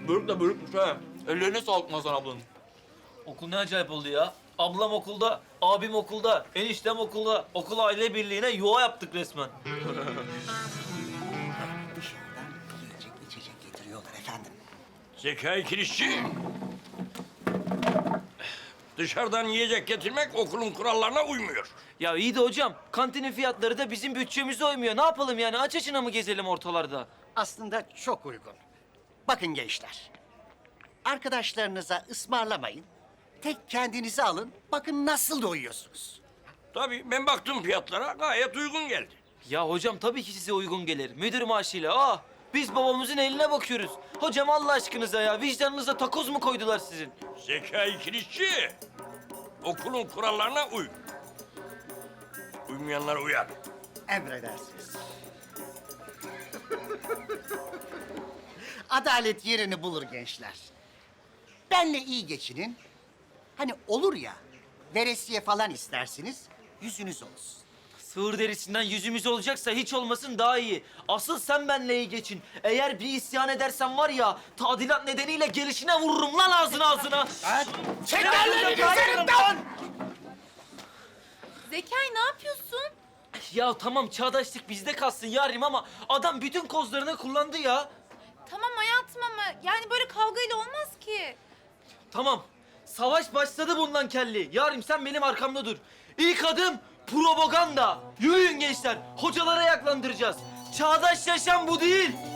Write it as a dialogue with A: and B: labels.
A: Börük de börükmüş ha. Ellerine sağlık Nazan ablanın.
B: Okul ne acayip oldu ya. Ablam okulda, abim okulda, eniştem okulda. Okul aile birliğine yuva yaptık resmen.
C: Dışarıdan yiyecek içecek getiriyorlar efendim.
D: Zekai Kirişçi. Dışarıdan yiyecek getirmek okulun kurallarına uymuyor.
B: Ya iyi de hocam, kantinin fiyatları da bizim bütçemize uymuyor. Ne yapalım yani? Aç açına mı gezelim ortalarda?
C: Aslında çok uygun. Bakın gençler. Arkadaşlarınıza ısmarlamayın. Tek kendinize alın. Bakın nasıl doyuyorsunuz.
D: Tabii ben baktım fiyatlara gayet uygun geldi.
B: Ya hocam tabii ki size uygun gelir. Müdür maaşıyla. Biz babamızın eline bakıyoruz. Hocam Allah aşkınıza ya. Vicdanınıza takoz mu koydular sizin?
D: Zekai Kirişçi. Okulun kurallarına uy. Uymayanlara uyar.
C: Emredersiniz. Adalet yerini bulur gençler. Benle iyi geçinin. Hani olur ya, veresiye falan istersiniz, yüzünüz olsun.
B: Sığır derisinden yüzümüz olacaksa hiç olmasın daha iyi. Asıl sen benle iyi geçin. Eğer bir isyan edersen var ya, tadilat nedeniyle gelişine vururum lan ağzına.
C: Çek ellerini üzerimden!
E: Zekai ne yapıyorsun?
B: Ya tamam çağdaşlık bizde kalsın yarim ama adam bütün kozlarını kullandı ya.
E: Tamam hayatım ama yani böyle kavgayla olmaz ki.
B: Tamam. Savaş başladı bundan kelli. Yarim sen benim arkamda dur. İlk adım propaganda. Yürüyün gençler. Hocalara yaklandıracağız. Çağdaş yaşam bu değil.